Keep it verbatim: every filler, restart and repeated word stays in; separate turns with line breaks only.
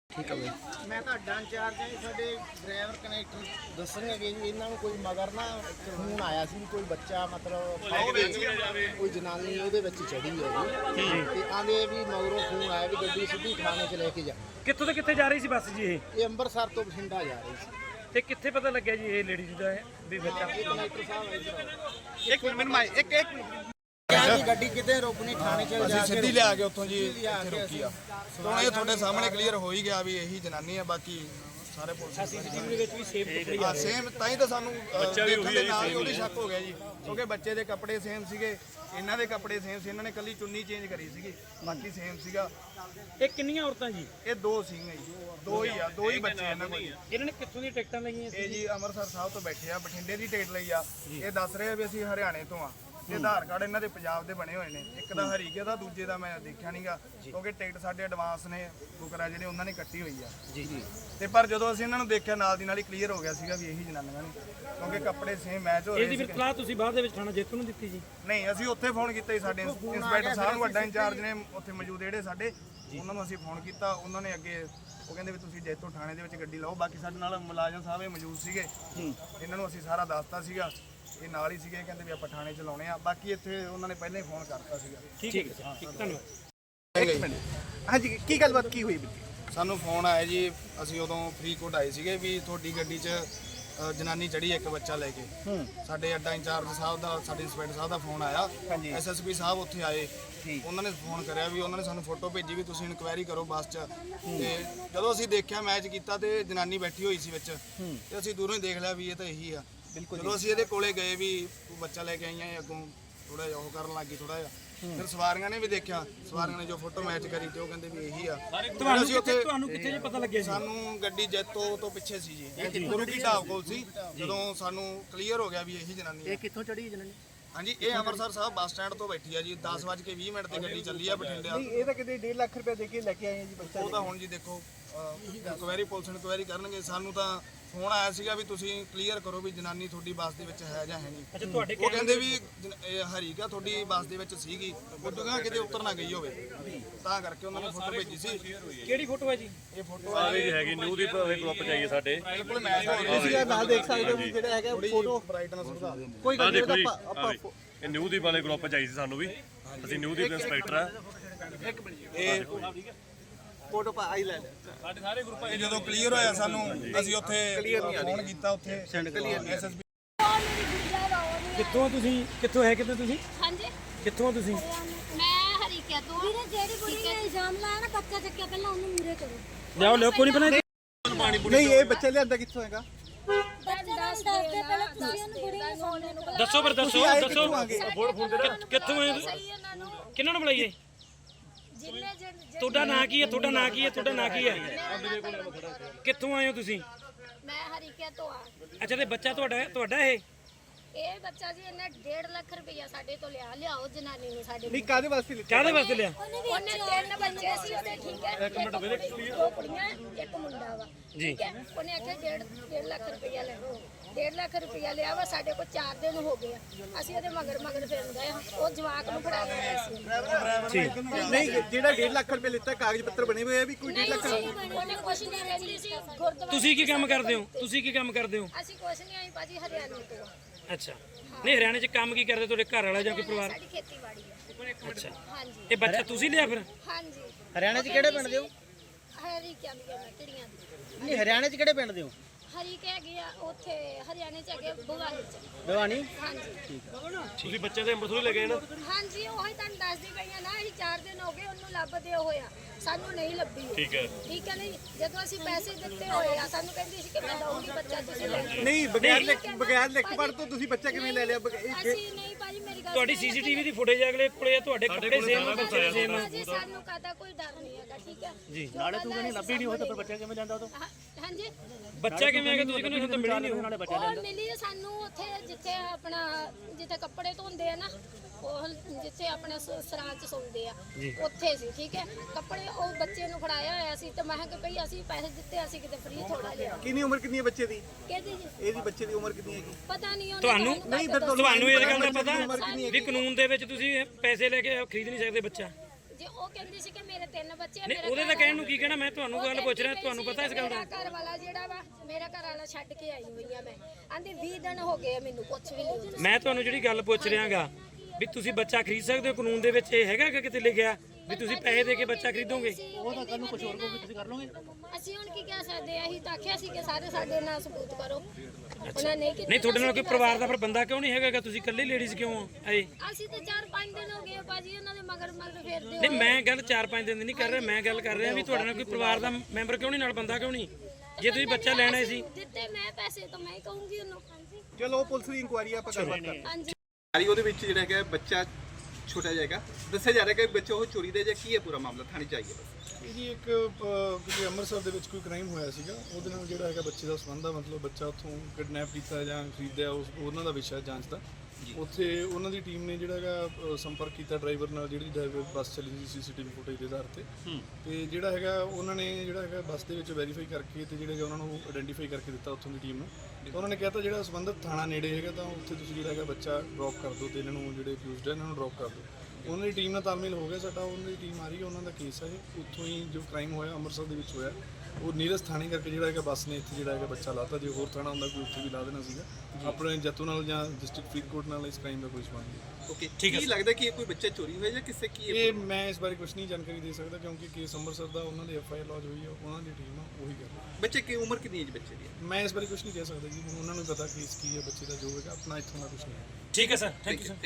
ठीक है भाई
मैं तो अड्डा इंचार्ज है साडे ड्राइवर कनेक्टर दसणगे जी इन्हां नूं कोई मगर ना फोन आया सी कोई बच्चा मतलब कोई जनानी ਉਹਦੇ ਵਿੱਚ ਚੜੀ ਹੈ ਜੀ ਤੇ ਆਂਦੇ ਵੀ ਮਗਰੋਂ ਫੋਨ ਆਇਆ ਵੀ ਗੱਡੀ ਸਿੱਧੀ ਥਾਣੇ 'ਚ ਲੈ ਕੇ ਜਾ।
ਕਿੱਥੋਂ ਤੋਂ ਕਿੱਥੇ ਜਾ ਰਹੀ ਸੀ ਬੱਸ ਜੀ ਇਹ?
ਇਹ ਅੰਮ੍ਰਿਤਸਰ ਤੋਂ ਬਠਿੰਡਾ ਜਾ ਰਹੀ ਸੀ।
ਤੇ ਕਿੱਥੇ ਪਤਾ ਲੱਗਿਆ ਜੀ ਇਹ ਲੇਡੀਜ਼ ਦਾ ਵੀ ਬੱਚਾ?
ਇਹ ਕਨੈਕਟਰ ਸਾਹਿਬ ਇੱਧਰ ਇੱਕ ਮਿੰਟ ਮੈਂ ਇੱਕ ਇੱਕ ਮਿੰਟ ਗੱਡੀ ਕਿਤੇ ਰੋਕਣੀ ਥਾਣੇ 'ਚ ਜਾ ਕੇ
ਸਿੱਧੀ ਲਿਆ ਕੇ ਉੱਥੋਂ ਜੀ ਇੱਥੇ ਰੁਕੀ ਆ। ਹੁਣ ਇਹ ਤੁਹਾਡੇ ਸਾਹਮਣੇ ਕਲੀਅਰ ਹੋ ਹੀ ਗਿਆ ਵੀ ਇਹੀ ਜਨਾਨੀ ਆ। ਬਾਕੀ ਸਾਰੇ ਪੁਲਿਸ
ਸੀਸੀਟੀਵੀ ਦੇ ਵਿੱਚ ਵੀ ਸੇਫ ਕੱਪੜੇ
ਹਾਂ ਸੇਮ ਤਾਂ ਹੀ ਤਾਂ ਸਾਨੂੰ ਦੇਖਣ ਦੇ ਨਾਲ ਹੀ ਉਹਦੀ ਸ਼ੱਕ ਹੋ ਗਿਆ ਜੀ ਕਿਉਂਕਿ ਬੱਚੇ ਦੇ ਕੱਪੜੇ ਸੇਮ ਸੀਗੇ ਇਹਨਾਂ ਦੇ ਕੱਪੜੇ ਸੇਮ ਸੀ। ਇਹਨਾਂ ਨੇ ਕੱਲੀ ਚੁੰਨੀ ਚੇਂਜ ਕਰੀ ਸੀਗੀ ਬਾਕੀ ਸੇਮ ਸੀਗਾ।
ਇਹ ਕਿੰਨੀਆਂ ਔਰਤਾਂ ਜੀ?
ਇਹ ਦੋ ਸੀਗੇ ਜੀ ਦੋ ਹੀ ਆ ਦੋ ਹੀ ਬੱਚੇ ਇਹਨਾਂ ਕੋਲ।
ਇਹਨਾਂ ਨੇ ਕਿੱਥੋਂ ਦੀਆਂ ਟਿਕਟਾਂ ਲਈਆਂ ਸੀ?
ਇਹ ਜੀ ਅੰਮ੍ਰਿਤਸਰ ਸਾਹਿਬ ਤੋਂ ਬੈਠੇ ਆ ਬਠਿੰਡੇ ਦੀ ਟਿਕਟ ਲਈ ਆ। ਇਹ ਦੱਸ ਰਹੇ ਆ ਵੀ ਅਸੀਂ ਹਰਿਆਣੇ ਤੋਂ ਆ ਤੇ ਆਧਾਰ ਕਾਰਡ ਇਹਨਾਂ ਦੇ ਪੰਜਾਬ ਦੇ ਬਣੇ ਹੋਏ ਨੇ। ਇੱਕ ਦਾ ਹਰੀਕੇ ਦਾ ਦੂਜੇ ਦਾ ਮੈਂ ਦੇਖਿਆ ਨਹੀਂਗਾ ਕਿਉਂਕਿ ਟਿਕਟ ਸਾਡੇ ਐਡਵਾਂਸ ਨੇ ਬੁਕਰਾ ਜਿਹੜੇ ਉਹਨਾਂ ਨੇ ਕੱਟੀ ਹੋਈ ਆ
ਜੀ ਜੀ।
ਤੇ ਪਰ ਜਦੋਂ ਅਸੀਂ ਇਹਨਾਂ ਨੂੰ ਦੇਖਿਆ ਨਾਲ ਦੀ ਨਾਲ ਹੀ ਕਲੀਅਰ ਹੋ ਗਿਆ ਸੀਗਾ ਵੀ ਇਹੀ ਜਨਾਨੀਆਂ ਨੇ ਕਿਉਂਕਿ ਕੱਪੜੇ ਸੇਮ ਮੈਚ ਹੋ ਰਹੇ
ਇਹਦੀ ਫਿਰ ਤਲਾਹ ਤੁਸੀਂ ਬਾਅਦ ਦੇ ਵਿੱਚ ਥਾਣਾ ਜੇਤੂ ਨੂੰ ਦਿੱਤੀ ਜੀ?
ਨਹੀਂ ਅਸੀਂ ਉੱਥੇ ਫੋਨ ਕੀਤਾ ਜੀ ਸਾਡੇ ਇੰਸਪੈਕਟਰ ਸਾਹਿਬ ਨੂੰ ਅੱਡਾ ਇੰਚਾਰਜ ਨੇ ਉੱਥੇ ਮੌਜੂਦ ਜਿਹੜੇ ਸਾਡੇ ਉਹਨਾਂ ਨੂੰ ਅਸੀਂ ਫੋਨ ਕੀਤਾ। ਉਹਨਾਂ ਨੇ ਅੱਗੇ ਉਹ ਕਹਿੰਦੇ ਵੀ ਤੁਸੀਂ ਜੈਤੋ ਥਾਣੇ ਦੇ ਵਿੱਚ ਗੱਡੀ ਲਾਓ। ਬਾਕੀ ਸਾਡੇ ਨਾਲ ਮੁਲਾਜ਼ਮ ਸਾਹਿਬ ਇਹ ਮੌਜੂਦ ਸੀਗੇ ਇਹਨਾਂ ਨੂੰ ਅਸੀਂ ਸਾਰਾ ਦੱਸਤਾ ਸੀਗਾ। ਇਹ ਨਾਲ ਹੀ ਸੀਗੇ ਕਹਿੰਦੇ ਵੀ ਆਪਾਂ ਥਾਣੇ ਚ ਲਾਉਣੇ ਆ। ਬਾਕੀ ਇੱਥੇ ਉਹਨਾਂ ਨੇ ਪਹਿਲਾਂ ਹੀ ਫੋਨ ਕਰਤਾ ਸੀਗਾ।
ਠੀਕ ਹੈ ਠੀਕ ਧੰਨਵਾਦ।
ਇੱਕ ਮਿੰਟ
ਹਾਂਜੀ ਕੀ ਗੱਲਬਾਤ ਕੀ ਹੋਈ ਬੀਤੀ?
ਸਾਨੂੰ ਫੋਨ ਆਇਆ ਜੀ ਅਸੀਂ ਉਦੋਂ ਫਰੀਦਕੋਟ ਆਏ ਸੀਗੇ ਵੀ ਤੁਹਾਡੀ ਗੱਡੀ 'ਚ ਅ, ਜਨਾਨੀ ਚੜੀ ਇੱਕ ਬੱਚਾ ਲੈ ਕੇ। ਸਾਡੇ ਅੱਡਾ ਇੰਚਾਰਜ ਸਾਹਿਬ ਦਾ ਸਾਡੇ ਇੰਸਪੈਕਟਰ ਸਾਹਿਬ ਦਾ ਫੋਨ ਆਇਆ। ਐਸਐਸਪੀ ਸਾਹਿਬ ਉੱਥੇ ਆਏ ਉਹਨਾਂ ਨੇ ਫੋਨ ਕਰਿਆ ਵੀ ਉਹਨਾਂ ਨੇ ਸਾਨੂੰ ਫੋਟੋ ਭੇਜੀ ਵੀ ਤੁਸੀਂ ਇਨਕੁਆਇਰੀ ਕਰੋ ਬੱਸ 'ਚ। ਤੇ ਜਦੋਂ ਅਸੀਂ ਦੇਖਿਆ ਮੈਚ ਕੀਤਾ ਤੇ ਜਨਾਨੀ ਬੈਠੀ ਹੋਈ ਸੀ ਵਿੱਚ ਤੇ ਅਸੀਂ ਦੂਰੋਂ ਹੀ ਦੇਖ ਲਿਆ ਵੀ ਇਹ ਤਾਂ ਇਹੀ ਆ। ਜਦੋਂ ਅਸੀਂ ਇਹਦੇ ਕੋਲੇ ਗਏ ਵੀ ਤੂੰ ਬੱਚਾ ਲੈ ਕੇ ਆਈਆਂ ਅੱਗੋਂ ਥੋੜਾ ਜਿਹਾ ਉਹ ਕਰਨ ਲੱਗੀ ਥੋੜਾ ਜਿਹਾ ਫਿਰ ਸਵਾਰੀਆਂ ਨੇ ਵੀ ਦੇਖਿਆ ਸਵਾਰੀਆਂ ਨੇ ਜੋ ਫੋਟੋ ਮੈਚ ਕਰੀ ਤੇ ਉਹ ਕਹਿੰਦੇ ਵੀ ਇਹੀ ਆ।
ਤੁਹਾਨੂੰ ਕਿੱਥੇ ਤੁਹਾਨੂੰ ਕਿੱਥੇ ਜੀ ਪਤਾ ਲੱਗਿਆ ਜੀ?
ਸਾਨੂੰ ਗੱਡੀ ਜੈਤੋ ਤੋਂ ਪਿੱਛੇ ਸੀ ਜੀ ਗੁਰੂ ਕੀ ਢਾਬ ਕੋਲ ਸੀ। ਜਦੋਂ ਸਾਨੂੰ ਕਲੀਅਰ ਹੋ ਗਿਆ ਵੀ ਇਹੀ ਜਨਾਨੀ ਹੈ।
ਇਹ ਕਿੱਥੋਂ ਚੜੀ ਜਨਾਨੀ?
ਹਾਂਜੀ ਇਹ ਅੰਮ੍ਰਿਤਸਰ ਸਾਹਿਬ ਬੱਸ ਸਟੈਂਡ ਤੋਂ ਬੈਠੀ ਆ ਜੀ। ਦਸ ਵੱਜ ਕੇ ਵੀਹ ਮਿੰਟ ਤੇ ਗੱਡੀ ਚੱਲੀ ਆ ਬਠਿੰਡੇ।
ਨਹੀਂ ਇਹ ਤਾਂ ਕਿਤੇ ਡੇਢ ਲੱਖ ਰੁਪਏ ਦੇ ਕੇ ਲੈ ਕੇ ਆਏ ਆ ਜੀ ਬੱਚਾ।
ਉਹ ਤਾਂ ਹੁਣ ਜੀ ਦੇਖੋ ਇਨਕੁਆਇਰੀ ਪੁਲਿਸ ਇਨਕੁਆਇਰੀ ਕਰਨਗੇ। ਸਾਨੂੰ ਤਾਂ ਫੋਨ ਆਇਆ ਸੀਗਾ ਵੀ ਤੁਸੀਂ ਕਲੀਅਰ ਕਰੋ ਵੀ ਜਨਾਨੀ ਤੁਹਾਡੀ ਬੱਸ ਦੇ ਵਿੱਚ ਹੈ ਜਾਂ ਹੈ ਨਹੀਂ।
ਅੱਛਾ ਤੁਹਾਡੇ
ਉਹ ਕਹਿੰਦੇ ਵੀ ਜਨ- ਇਹ ਹਰੀਕਾ ਤੁਹਾਡੀ ਬੱਸ ਦੇ ਵਿੱਚ ਸੀਗੀ ਉਦੋਂ ਕਿਤੇ ਉਤਰ ਨਾ ਗਈ ਹੋਵੇ ਤਾਂ ਕਰਕੇ ਉਹਨਾਂ ਨੇ ਫੋਟੋ ਭੇਜੀ ਸੀ।
ਕਿਹੜੀ ਫੋਟੋ ਹੈ ਜੀ?
ਇਹ ਫੋਟੋ
ਆਹ ਜੀ ਹੈਗੀ ਨਿਊ ਦੀ ਗਰੁੱਪ ਚਾਹੀਏ ਸਾਡੇ।
ਬਿਲਕੁਲ ਮੈਚ ਹੋ ਰਿਹਾ
ਤੁਸੀਂ ਨਾਲ ਦੇਖ ਸਕਦੇ ਹੋ ਵੀ ਜਿਹੜਾ ਹੈਗਾ ਫੋਟੋ
ਬ੍ਰਾਈਟਨੈਸ ਵਧਾ ਦਿਓ।
ਕੋਈ
ਆਹ
ਗੱਲ ਨਹੀਂ
ਦੇਖੋ ਜੀ
ਆਪਾਂ
ਆਹ ਦੇਖੋ। ਇਹ ਨਿਊ ਦੀ ਵਾਲੇ ਗਰੁੱਪ ਚਾਹੀਏ ਸੀ ਸਾਨੂੰ ਵੀ। ਅਸੀਂ ਨਿਊ ਦੀ ਇੰਸਪੈਕਟਰ ਆ।
ਇਹ
ਫੋਟੋ ਪਾ ਆਈ ਲੈ
ਇਹ ਜਦੋਂ ਕਲੀਅਰ ਹੋਇਆ ਸਾਨੂੰ ਅਸੀਂ ਉੱਥੇ ਫੋਨ ਕੀਤਾ ਉੱਥੇ ਐਸਐਸਪੀ
ਕਿੱਥੋਂ ਆ ਤੁਸੀਂ? ਕਿੱਥੋਂ ਹੈ ਕਿੱਥੇ ਤੁਸੀਂ?
ਹਾਂਜੀ
ਕਿੱਥੋਂ ਆ ਤੁਸੀਂ?
ਮੈਂ ਹਰੀਕਿਆ ਤੋਂ ਵੀਰੇ ਜਿਹੜੀ ਕੁੜੀ ਨੇ ਇਲਜ਼ਾਮ ਲਾਇਆ ਨਾ ਬੱਚਾ ਚੱਕਿਆ ਪਹਿਲਾਂ ਉਹਨੂੰ ਮੂਰੇ ਕਰੋ।
ਲਿਆਓ ਲਿਆਓ ਕੋਈ ਨਹੀਂ ਬਣਾਇਆ।
ਨਹੀਂ ਇਹ ਬੱਚਾ ਲਿਆਂਦਾ ਕਿੱਥੋਂ ਹੈਗਾ?
ਦੱਸ ਦੇ ਪਹਿਲਾਂ ਤੁਸੀਂ ਉਹਨੂੰ ਕੁੜੀ ਨੂੰ ਸੋਨੇ ਨੂੰ
ਦੱਸੋ ਪਰ ਦੱਸੋ ਦੱਸੋ ਕਿ- ਕਿੱਥੋਂ ਆਏ ਤੁਸੀਂ?
ਸਹੀ ਉਹਨਾਂ ਨੂੰ
ਕਿਹਨਾਂ ਨੂੰ ਬੁਲਾਈਏ?
ਜਿੰਨੇ ਜਿੰਨੇ
ਤੁਹਾਡਾ ਨਾਂ ਕੀ ਹੈ? ਤੁਹਾਡਾ ਨਾਂ ਕੀ ਹੈ? ਤੁਹਾਡਾ ਨਾਂ ਕੀ ਹੈ? ਕਿੱਥੋਂ ਆਏ ਹੋ ਤੁਸੀਂ?
ਮੈਂ ਹਰੀਕਿਆ ਤੋਂ ਆ।
ਅੱਛਾ ਤੇ ਬੱਚਾ ਤੁਹਾਡਾ ਹੈ? ਤੁਹਾਡਾ ਇਹ?
ਇਹ ਬੱਚਾ ਜੀ ਇਹਨੇ ਡੇਢ ਲੱਖ ਰੁਪਇਆ ਸਾਡੇ ਤੋਂ ਲਿਆ ਲਿਆਓ ਜਨਾਨੀ ਨੂੰ ਸਾਡੇ
ਨਹੀਂ ਕਾਦੇ ਵਾਸਤੇ ਲਿੱਤਾ?
ਕਾਹਦੇ ਵਾਸਤੇ ਲਿਆ?
ਉਹਨੇ ਤਿੰਨ ਬੱਚੇ ਸੀ ਉਹਦੇ ਠੀਕ ਹੈ ਇੱਕ ਕੁੜੀ, ਦੋ ਕੁੜੀਆਂ ਇੱਕ ਮੁੰਡਾ ਵਾ ਠੀਕ ਹੈ। ਉਹਨੇ ਆਖਿਆ ਡੇਢ ਡੇਢ ਲੱਖ ਰੁਪਇਆ ਲੈ ਲਓ। ਡੇਢ ਲੱਖ ਰੁਪਇਆ ਲਿਆ ਵਾ ਸਾਡੇ ਕੋਲ ਚਾਰ ਦਿਨ ਹੋ ਗਏ ਆ। ਅਸੀਂ ਉਹਦੇ ਮਗਰ ਮਗਰ ਫਿਰਦੇ ਆ। ਉਹ ਜਵਾਕ ਨੂੰ ਫੜਾ ਲਿਆ ਸੀ।
ਨਹੀਂ ਜਿਹੜਾ ਡੇਢ ਲੱਖ ਰੁਪਏ ਲਿੱਤਾ ਕਾਗਜ਼ ਪੱਤਰ ਬਣੇ ਹੋਏ ਆ ਵੀ ਕੋਈ ਡੇਢ ਲੱਖ
ਉਹਨੇ ਕੁਛ ਨਹੀਂ ਰਹਿੰਦੀ ਸੀ ਗੁਰਦੁਆਰਾ।
ਤੁਸੀਂ ਕੀ ਕੰਮ ਕਰਦੇ ਹੋ? ਤੁਸੀਂ ਕੀ ਕੰਮ ਕਰਦੇ ਹੋ?
ਅਸੀਂ ਕੁਛ ਨਹੀਂ ਆਈ ਭਾਜੀ ਹਰਿਆਣੇ ਤੋਂ।
ਅੱਛਾ ਨਹੀਂ ਹਰਿਆਣੇ 'ਚ ਕੰਮ ਕੀ ਕਰਦੇ ਤੁਹਾਡੇ ਘਰ ਵਾਲਾ ਜਾਂ ਕੋਈ ਪਰਿਵਾਰ?
ਸਾਡੀ ਖੇਤੀਬਾੜੀ ਹੈ।
ਅੱਛਾ
ਹਾਂਜੀ
ਇਹ ਬੱਚਾ ਤੁਸੀਂ ਲਿਆ ਫਿਰ?
ਹਾਂਜੀ
ਹਰਿਆਣੇ 'ਚ ਕਿਹੜੇ ਪਿੰਡ ਦੇ ਹੋ?
ਹਰੀ ਕਿਆ ਵੀ ਮੈਂ ਕਿਹੜੀਆਂ ਦੀ
ਨਹੀਂ ਹਰਿਆਣੇ 'ਚ ਕਿਹੜੇ ਪਿੰਡ ਦੇ ਹੋ?
ਹਰੀ ਕਹਿ ਗਿਆ ਉੱਥੇ ਹਰਿਆਣੇ ਚ ਹੈਗੇ ਭਵਾਨੀ ਚ।
ਭਵਾਨੀ?
ਹਾਂਜੀ
ਤੁਸੀਂ ਬੱਚੇ ਦੇ ਅੰਮ੍ਰਿਤਸਰ ਲੈ ਗਏ ਨਾ?
ਹਾਂਜੀ ਉਹੀ ਤੁਹਾਨੂੰ ਦੱਸਦੀ ਪਈ ਆ ਨਾ। ਅਸੀਂ ਚਾਰ ਦਿਨ ਹੋ ਗਏ ਉਹਨੂੰ ਲੱਭਦੇ ਹੋਇਆ ਸਾਨੂੰ ਨਹੀਂ ਲੱਭੀ ਉਹ।
ਠੀਕ ਹੈ
ਠੀਕ ਹੈ ਨਹੀਂ ਜਦੋਂ ਅਸੀਂ ਪੈਸੇ ਦਿੱਤੇ ਹੋਏ ਆ ਸਾਨੂੰ ਕਹਿੰਦੀ ਸੀ ਕਿ ਮੈਂ ਦਊਂਗੀ ਬੱਚਾ ਤੁਸੀਂ ਲੈ ਲਓ।
ਨਹੀਂ ਬਗੈਰ ਲਿਖ ਬਗੈਰ ਲਿਖ ਪੜ੍ਹ ਤੋਂ ਤੁਸੀਂ ਬੱਚਾ ਕਿਵੇਂ ਲੈ ਲਿਆ? ਬਗੈਰ- ਇਹ-
ਅਸੀਂ ਨਹੀਂ ਭਾਜੀ ਮੇਰੀ ਗੱਲ
ਤੁਹਾਡੀ ਸੀਸੀਟੀਵੀ ਦੀ ਫੁਟੇਜ ਅਗਲੇ ਕੋਲੇ ਆ। ਤੁਹਾਡੇ ਕੱਪੜੇ ਸੇਮ ਆ, ਬੱਚੇ ਦੇ ਸੇਮ ਆ।
ਭਾਜੀ ਸਾਨੂੰ ਕਾਹਦਾ ਕੋਈ ਡਰ ਨਹੀਂ ਹੈਗਾ ਠੀਕ ਹੈ
ਜੀ।
ਨਾਲੇ ਤੂੰ ਕਹਿੰਦੀ ਲੱਭੀ ਨਹੀਂ ਹੋਇਆ ਤਾਂ ਬੱਚਾ ਕਿਵੇਂ ਜਾਂਦਾ ਉਦੋਂ? ਹਾਂਜੀ
ਬੱਚਾ ਕਿਵੇਂ ਆ ਗਿਆ? ਤੁਸੀਂ ਕਹਿੰਦੇ ਤਾਂ ਮਿਲੀ ਨਹੀਂ ਉਹ।
ਉਹ ਮਿਲੀ ਸਾਨੂੰ ਉੱਥੇ ਜਿੱਥੇ ਆਪਣਾ ਜਿੱਥੇ ਕੱਪੜੇ ਧੋਂਦੇ ਆ ਨਾ ਉਹ ਜਿੱਥੇ ਆਪਣੇ ਸ- ਸਰਾਂ ਚ ਸੌਂਦੇ ਆ ਉੱਥੇ ਸੀ ਠੀਕ ਹੈ। ਕੱਪੜੇ ਉਹ ਬੱਚੇ ਨੂੰ ਫੜਾਇਆ ਹੋਇਆ ਸੀ ਤੇ ਮੈਂ ਕਿਹਾ ਕਿ ਭਈ ਅਸੀਂ ਪੈਸੇ ਦਿੱਤੇ ਅਸੀਂ ਕਿਤੇ ਫ੍ਰੀ ਥੋੜਾ ਲਿਆ।
ਕਿੰਨੀ ਉਮਰ ਕਿੰਨੀ ਹੈ ਬੱਚੇ ਦੀ?
ਕਿਹਦੀ ਜੀ?
ਇਹਦੀ ਬੱਚੇ ਦੀ ਉਮਰ ਕਿੰਨੀ ਹੈਗੀ?
ਪਤਾ ਨਹੀਂ ਉਹਨੇ
ਤੁਹਾਨੂੰ
ਨਹੀਂ ਫਿਰ
ਤੁਹਾਨੂੰ ਇਹ ਗੱਲ ਦਾ
ਉਮਰ ਕਿੰਨੀ
ਪਤਾ ਵੀ ਕਾਨੂੰਨ ਦੇ ਵਿੱਚ ਤੁਸੀਂ ਪੈਸੇ ਲੈ ਕੇ ਖਰੀਦ ਨਹੀਂ ਸਕਦੇ ਬੱਚਾ?
ਜੇ ਉਹ ਕਹਿੰਦੀ ਸੀ ਕਿ ਮੇਰੇ ਤਿੰਨ ਬੱਚੇ ਆ,
ਨਹੀਂ
ਮੇਰਾ
ਉਹਦੇ ਤਾਂ
ਘਰ
ਕਹਿਣ ਨੂੰ ਕੀ ਕਹਿਣਾ, ਮੈਂ ਤੁਹਾਨੂੰ
ਉਹ
ਗੱਲ ਪੁੱਛ ਰਿਹਾ,
ਕਹਿੰਦੀ
ਤੁਹਾਨੂੰ
ਪਈ
ਪਤਾ ਇਸ
ਸੀ
ਗੱਲ ਦਾ?
ਮੇਰਾ ਘਰ ਵਾਲਾ ਜਿਹੜਾ ਵਾ ਮੇਰਾ ਘਰ ਵਾਲਾ ਛੱਡ ਕੇ ਆਈ ਹੋਈ ਆ ਮੈਂ, ਆਂਦੀ ਵੀਹ ਦਿਨ ਹੋ ਗਏ ਆ ਮੈਨੂੰ ਕੁਛ ਵੀ ਨਹੀਂ।
ਮੈਂ ਤੁਹਾਨੂੰ ਜਿਹੜੀ ਗੱਲ ਪੁੱਛ ਰਿਹਾਗਾ ਵੀ ਤੁਸੀਂ ਬੱਚਾ ਖਰੀਦ ਸਕਦੇ ਹੋ, ਕਾਨੂੰਨ ਦੇ ਵਿੱਚ ਇਹ ਹੈਗਾ ਕਿ ਕਿਤੇ ਲਿਖਿਆ ਵੀ ਤੁਸੀਂ ਪੈਸੇ ਦੇ ਕੇ ਬੱਚਾ ਖਰੀਦੋਗੇ?
ਉਹ ਤਾਂ ਕੱਲ ਨੂੰ ਕੁਝ ਹੋਰ ਕਹੋਗੇ ਤੁਸੀਂ ਕਰ ਲਓਗੇ। ਅਸੀਂ ਹੁਣ ਕੀ ਕਹਿ ਸਕਦੇ ਆ, ਅਸੀਂ ਤਾਂ ਆਖਿਆ ਸੀ ਕਿ ਸਾਰੇ ਸਾਡੇ ਨਾਲ ਸਬੂਤ ਕਰੋ, ਉਹਨਾਂ ਨੇ ਕੀਤਾ।
ਨਹੀਂ ਤੁਹਾਡੇ ਨਾਲ ਕੋਈ ਪਰਿਵਾਰ ਦਾ ਫਿਰ ਬੰਦਾ ਕਿਉਂ ਨਹੀਂ ਹੈਗਾ? ਤੁਸੀਂ ਇਕੱਲੇ ਲੇਡੀਜ਼ ਕਿਉਂ ਆਏ?
ਅਸੀਂ ਤਾਂ ਚਾਰ ਪੰਜ ਦਿਨ ਹੋ ਗਏ ਬਾਜੀ ਉਹਨਾਂ ਦੇ ਮਗਰ ਮਗਰ ਫੇਰਦੇ
ਨਹੀਂ ਮੈਂ ਗੱਲ ਚਾਰ ਪੰਜ ਦਿਨ ਦੀ ਨਹੀਂ ਕਰ ਰਿਹਾ, ਮੈਂ ਗੱਲ ਕਰ ਰਿਹਾ ਵੀ ਤੁਹਾਡੇ ਨਾਲ ਕੋਈ ਪਰਿਵਾਰ ਦਾ ਮੈਂਬਰ ਕਿਉਂ ਨਹੀਂ, ਨਾਲ ਬੰਦਾ ਕਿਉਂ ਨਹੀਂ? ਜੇ ਤੁਸੀਂ ਬੱਚਾ ਲੈਣਾ ਆਏ ਸੀ।
ਦਿੱਤੇ ਮੈਂ ਪੈਸੇ ਤਾਂ ਮੈਂ ਹੀ ਕਹੂੰਗੀ ਉਹਨੂੰ।
ਚਲੋ ਪੁਲਿਸ ਦੀ ਇਨਕੁਆਇਰੀ ਆਪਾਂ ਗੱਲਬਾਤ ਕਰਦੇ
ਹਾਂਜੀ
ਹਾਂ। ਉਹਦੇ ਵਿੱਚ ਜਿਹੜਾ ਹੈਗਾ ਬੱਚਾ ਛੋਟਾ ਜਾਏਗਾ, ਦੱਸਿਆ ਜਾ ਰਿਹਾ ਕਿ ਬੱਚਾ ਉਹ ਚੋਰੀ ਦਾ ਜਾਂ ਕੀ ਹੈ ਪੂਰਾ ਮਾਮਲਾ, ਥਾਣੇ ਚਾਹੀਏ ਬਸ।
ਇਹ ਜੀ ਇੱਕ ਅਹ, ਕਿਉਂਕਿ ਅੰਮ੍ਰਿਤਸਰ ਦੇ ਵਿੱਚ ਕੋਈ ਕ੍ਰਾਈਮ ਹੋਇਆ ਸੀਗਾ, ਉਹਦੇ ਨਾਲ ਜਿਹੜਾ ਹੈਗਾ ਬੱਚੇ ਦਾ ਸੰਬੰਧ ਆ, ਮਤਲਬ ਬੱਚਾ ਉੱਥੋਂ ਕਿਡਨੈਪ ਕੀਤਾ ਜਾਂ ਖਰੀਦਿਆ, ਉਸ ਉਹਨਾਂ ਦਾ ਵਿਸ਼ਾ ਜਾਂਚ ਦਾ। ਉੱਥੇ ਉਹਨਾਂ ਦੀ ਟੀਮ ਨੇ ਜਿਹੜਾ ਹੈਗਾ ਅਹ, ਸੰਪਰਕ ਕੀਤਾ ਡਰਾਈਵਰ ਨਾਲ, ਜਿਹੜੀ ਡਰਾਈਵਰ ਬੱਸ ਚੱਲੀ ਸੀ ਸੀਸੀਟੀਵੀ ਫੁਟੇਜ ਦੇ ਆਧਾਰ ਤੇ। ਤੇ ਜਿਹੜਾ ਹੈਗਾ ਉਹਨਾਂ ਨੇ ਜਿਹੜਾ ਹੈਗਾ ਬੱਸ ਦੇ ਵਿੱਚ ਵੈਰੀਫਾਈ ਕਰਕੇ ਤੇ ਜਿਹੜਾ ਹੈਗਾ ਉਹਨਾਂ ਨੂੰ ਆਇਡੈਂਟੀਫਾਈ ਕਰਕੇ ਦਿੱਤਾ ਉੱਥੋਂ ਦੀ ਟੀਮ ਨੂੰ। ਤੇ ਉਹਨਾਂ ਨੇ ਕਹਿਤਾ ਜਿਹੜਾ ਸੰਬੰਧਿਤ ਥਾਣਾ ਨੇੜੇ ਹੈਗਾ ਤਾਂ ਉੱਥੇ ਤੁਸੀਂ ਜਿਹੜਾ ਹੈਗਾ ਬੱਚਾ ਡ੍ਰੌਪ ਕਰ ਦਿਓ ਤੇ ਇਹਨਾਂ ਨੂੰ ਜਿਹੜੇ ਅਕਿਊਜ਼ਡ ਹੈ ਇਹਨਾਂ ਨੂੰ ਡ੍ਰੌਪ ਕਰ ਦਿਓ। ਉਹਨਾਂ ਦੀ ਟੀਮ ਨਾਲ ਤਾਲਮੇਲ ਹੋ ਗਿਆ ਸਾਡਾ, ਉਹਨਾਂ ਦੀ ਟੀਮ ਆ ਰਹੀ ਹੈ, ਉਹਨਾਂ ਦਾ ਕੇਸ ਹੈ ਇਹ। ਉੱਥੋਂ ਹੀ ਜੋ ਕ੍ਰਾਈਮ ਹੋਇਆ ਅੰਮ੍ਰਿਤਸਰ ਦੇ ਵਿੱਚ ਹੋਇਆ, ਉਹ ਨੀਰਜ ਥਾਣੇ ਕਰਕੇ ਜਿਹੜਾ ਹੈਗਾ ਬੱਸ ਨੇ ਇੱਥੇ ਜਿਹੜਾ ਹੈਗਾ ਬੱਚਾ ਲਾਤਾ। ਜੇ ਹੋਰ ਥਾਣਾ ਹੁੰਦਾ ਕੋਈ ਉੱਥੇ ਵੀ ਲਾ ਦੇਣਾ ਸੀਗਾ। ਆਪਣੇ ਜੱਤੂ ਨਾਲ ਜਾਂ ਡਿਸਟ੍ਰਿਕਟ ਫਰੀਦਕੋਟ ਨਾਲ ਇਸ ਕ੍ਰਾਈਮ ਦਾ ਕੋਈ ਸੰਬੰਧ ਨਹੀਂ।
ਓਕੇ, ਕੀ ਲੱਗਦਾ ਕਿ ਇਹ ਕੋਈ ਬੱਚਾ ਚੋਰੀ ਹੋਇਆ ਜਾਂ ਕਿਸੇ ਕੀ ਹੈ?
ਇਹ ਮੈਂ ਇਸ ਬਾਰੇ ਕੁਝ ਨਹੀਂ ਜਾਣਕਾਰੀ ਦੇ ਸਕਦਾ ਕਿਉਂਕਿ ਕੇਸ ਅੰਮ੍ਰਿਤਸਰ ਦਾ, ਉਹਨਾਂ ਦੀ ਐਫ ਆਈ ਆਰ ਲੌਜ ਹੋਈ ਹੈ, ਉਹਨਾਂ ਦੀ ਟੀਮ ਆ ਉਹੀ ਕਰ ਰਹੀ ਹੈ।
ਬੱਚੇ ਕੀ ਉਮਰ ਕਿੰਨੀ ਹੈ ਜੀ ਬੱਚੇ ਦੀ?
ਮੈਂ ਇਸ ਬਾਰੇ ਕੁਝ ਨਹੀਂ ਕਹਿ ਸਕਦਾ ਜੀ, ਹੁਣ ਉਹਨਾਂ ਨੂੰ ਪਤਾ ਕੇਸ ਕੀ ਹੈ ਬੱਚੇ ਦਾ, ਜੋ ਹੈਗਾ ਆਪਣਾ ਇੱਥੋਂ ਦਾ ਕੁਝ ਨਹੀਂ ਹੈ।
ਠੀਕ ਹੈ ਸਰ, ਥੈਂਕ ਯੂ ਸਰ।